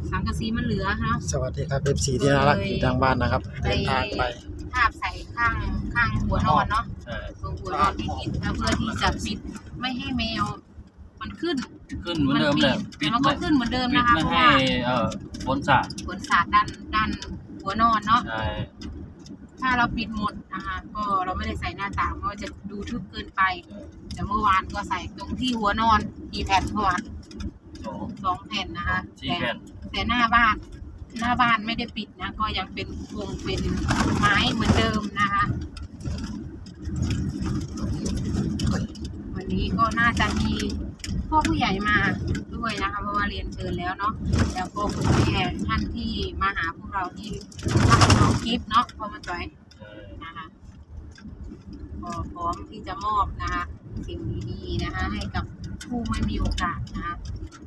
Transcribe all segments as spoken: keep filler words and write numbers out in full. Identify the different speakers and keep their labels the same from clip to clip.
Speaker 1: สังกะสีมันเหลือครับ
Speaker 2: สวัสดีครับเอฟซีที่น่ารักอยู่ทางบ้านนะครับเดินทางไป
Speaker 1: ทาบใส่ข้างข้างหัวนอนเนาะตรงหัวนอนที่ปิดเพื่อที่จะปิดไม่ให้แมวมันขึ้น
Speaker 3: ขึ้นเหมือนเดิมเลย
Speaker 1: ปิดมันก็ขึ้นเหมือนเดิมนะคะ
Speaker 3: ไม่ให้เอ่อฝนสาด
Speaker 1: ฝนสาดด้านด้านหัวนอนเนาะ
Speaker 3: ใช่
Speaker 1: ถ้าเราปิดหมดนะคะก็เราไม่ได้ใส่หน้าต่างเพราะจะดูทึบเกินไปแต่เมื่อวานก็ใส่ตรงที่หัวนอนกี่แผ่นเมื่อวานสองแผ่นนะคะแต่แต่หน้าบ้านหน้าบ้านไม่ได้ปิดนะก็ยังเป็นวงเป็นไม้เหมือนเดิมนะคะวันนี้ก็น่าจะมีพ่อผู้ใหญ่มาด้วยนะคะเพราะว่าเรียนเชิญแล้วเนาะแล้วก็คุณแม่ท่านที่มาหาพวกเราที่รับน้องกิฟต์เนาะพอมาจ่อยนะคะก็พร้อมที่จะมอบนะคะสิ่งดีๆนะคะให้กับผู้ไม่มีโอกาสนะคะ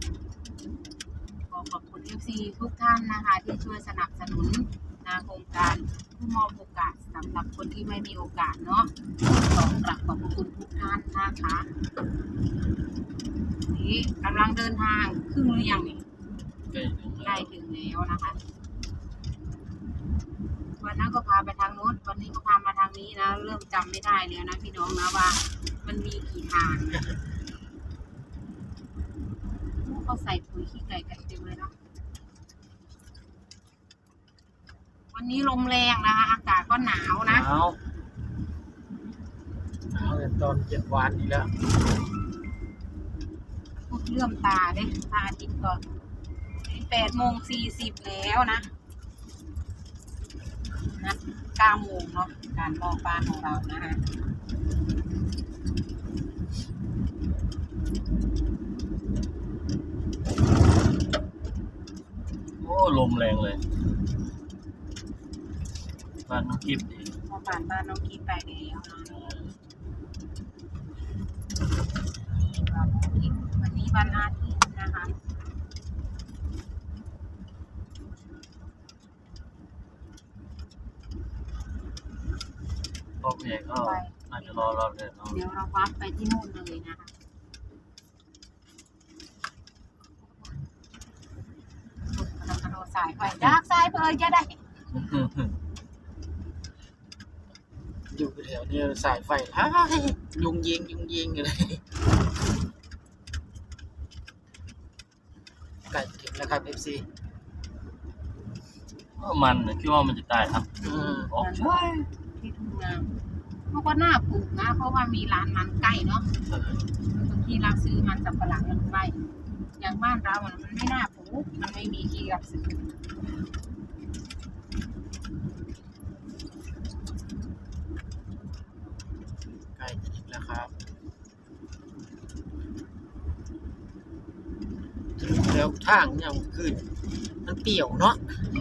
Speaker 1: ขอบคุณ เอฟ ซี ทุกท่านนะคะที่ช่วยสนับสนุนนะโครงการผู้มอบโอกาสสำหรับคนที่ไม่มีโอกาสเนาะขอกราบขอบคุณทุกท่านนะคะนี่กำลังเดินทางครึ่งหรือยังนี่ใกล้ถึงแล้วนะคะวันนั้นก็พาไปทางโน้นวันนี้ก็พามาทางนี้นะเริ่มจำไม่ได้แล้วนะพี่น้องนะว่ามันมีกี่ทางเขาใส่ปุ๋ยขี้ไก่กันเต็มเลยเนาะวันนี้ลมแรงนะคะอากาศก็หนาวนะ
Speaker 3: หนาว
Speaker 2: หนาวตอนเจ็ดวันนี้แล้ว
Speaker 1: เลื่อมตาเลยตาจิตก่อนแปดโมงสี่สิบแล้วนะนัดเก้าโมงเนาะการมองบ้านของเรานะคะ
Speaker 3: โอ้ลมแรงเลยบ้านน้องกิฟต์ดี
Speaker 1: พอผ่านบ้านน้องกิฟต์ไปแล้วนะวันนี้วันอาทิตย์นะคะ
Speaker 3: พ่อผู้ใหญ่ก็น่าจะรอรอเลยเนาะ
Speaker 1: เดี๋ยวเราวัดไปที่นู่นเลยนะคะเรากระโดดสายไปจากสายเพลินจะได้
Speaker 2: อยู่แถวนี้สายไฟฮ่ายุงยิงยุงยิงอยู่เลยไก่ถึงแล้วครับเอฟซี
Speaker 3: มันคิดว่ามันจะตายครับ
Speaker 1: ออกใช่ที่ทุ่งนาเขาก็น่าปลูกนะเพราะว่ามีร้านมันใกล้เนาะที่รับซื้อมันสับปะหลังมันใกล้อย่างบ้านเรามันไม่น่าปลูกมันไม่มีที่รับซื้อ
Speaker 2: ไก่ถึงแล้วครับแล้วทางเนี่ยขึ้นมันเปี่ยวเนาะ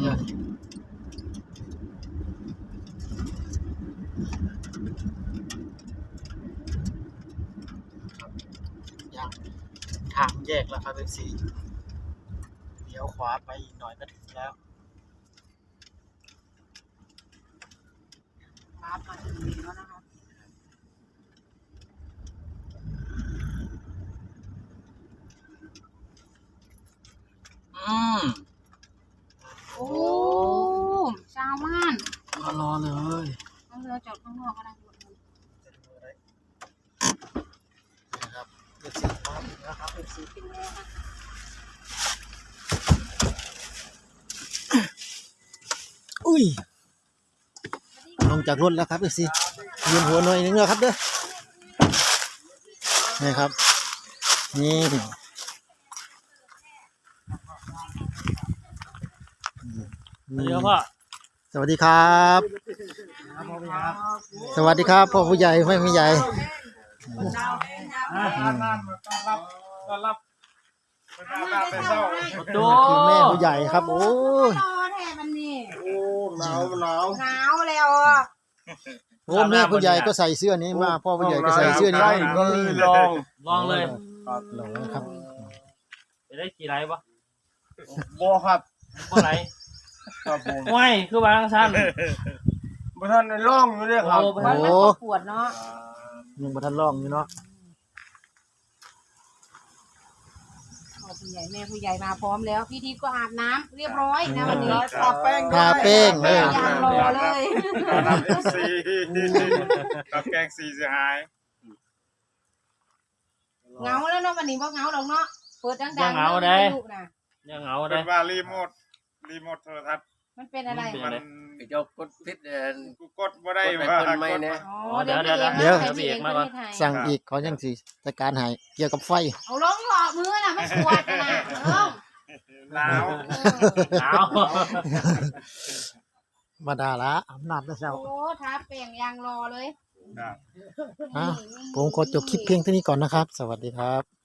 Speaker 2: ยังทางแยกแล้วครับเอฟซีเดี๋ยวขวาไปอีกหน่อยก็ถึงแล้ว
Speaker 1: ครับมาถึงแล้วนะคะ
Speaker 3: อืม
Speaker 1: โอ้ชาวบ้าน
Speaker 3: รอรอเลย
Speaker 1: เอาเรือจอดข้างนอกก็ได้
Speaker 2: นะครับเอฟซีมาถึงแล้วครับเอฟซี
Speaker 1: เป็นแล้วนะคะ
Speaker 2: อุ้ยลงจากรถแล้วครับเอฟซียืนหัวหน่อยนึงแล้วครับเด้อนี่ครับนี่
Speaker 3: เดี๋ยวพ่อ
Speaker 2: สวัสดีครับสวัสดีครับพ่อผู้ใหญ่ไม่ผู้ใหญ่คือแม่ผู้ใหญ่ครับโอ้ย
Speaker 4: หนาวหนาว
Speaker 1: หนาวแล้วอ่ะ
Speaker 2: โอ้แม่ผู้ใหญ่ก็ใส่เสื้อนี้มาพ่อผู้ใหญ่ก็ใส่เสื้อนี้
Speaker 3: ลองลองเลย
Speaker 2: ลองครับ
Speaker 3: จะได้กี่ไลค์ปะ
Speaker 4: โบครับ
Speaker 3: โบไลค์ครับผมไม่คือบางสั้น
Speaker 4: บ่ทันได้ร้องอยู่เลยครับ
Speaker 1: โอ้มันปวดเนาะ
Speaker 2: ยังบ่ทันร้องอยู่เนาะ
Speaker 1: ขอบผู้ใหญ่แม่ผู้ใหญ่มาพร้อมแล้วพี่ทีก็อาบน้ำเรียบร้อยนะวันนี้
Speaker 4: ทาแป้งด้วย
Speaker 2: ทาแป้งเลย
Speaker 1: ยางรอเลย
Speaker 5: ตอนรับเอฟซีกับแกงซีเสียหาย
Speaker 1: เหงาแล้วเนาะวันนี้บ่เหงาดอกเนาะเปิดดังๆ
Speaker 3: ยังเหงาได้
Speaker 1: ลูกนะ
Speaker 3: ยังเหงา
Speaker 5: เป็
Speaker 3: ได้
Speaker 5: นว่ารีโมทรีโมทโทรทัศน์
Speaker 1: มันเป็นอะไร
Speaker 5: มัน
Speaker 6: ไอ้เจ้ากดพิษเดิน
Speaker 5: กูกดบ่ได้
Speaker 6: กดไป
Speaker 5: ว่า
Speaker 6: เพิ่นไม่เนี่ย
Speaker 1: อ๋อ
Speaker 3: เดี๋ยว
Speaker 1: เดี๋ยว
Speaker 3: เดี๋ยว
Speaker 1: พี่
Speaker 3: เดี๋
Speaker 1: เอย ก
Speaker 3: ว
Speaker 1: มา
Speaker 3: เดี๋ยวพี่เอกมาก่อน
Speaker 1: ให้
Speaker 2: สั่งอีกเขายังสิจัดการให้เกี่ยวกับไฟ
Speaker 1: เอาลงหลอกมือน่ะไม่ปวดนะเออ
Speaker 5: หนาว
Speaker 3: หนาว
Speaker 2: มาดาละอำนาจนะเจ้า
Speaker 1: โอ้ทาแป้งยางรอเลย
Speaker 5: ครับ
Speaker 2: อ่ะผมขอจบคลิปเพียงเท่านี้ก่อนนะครับ สวัสดีครับ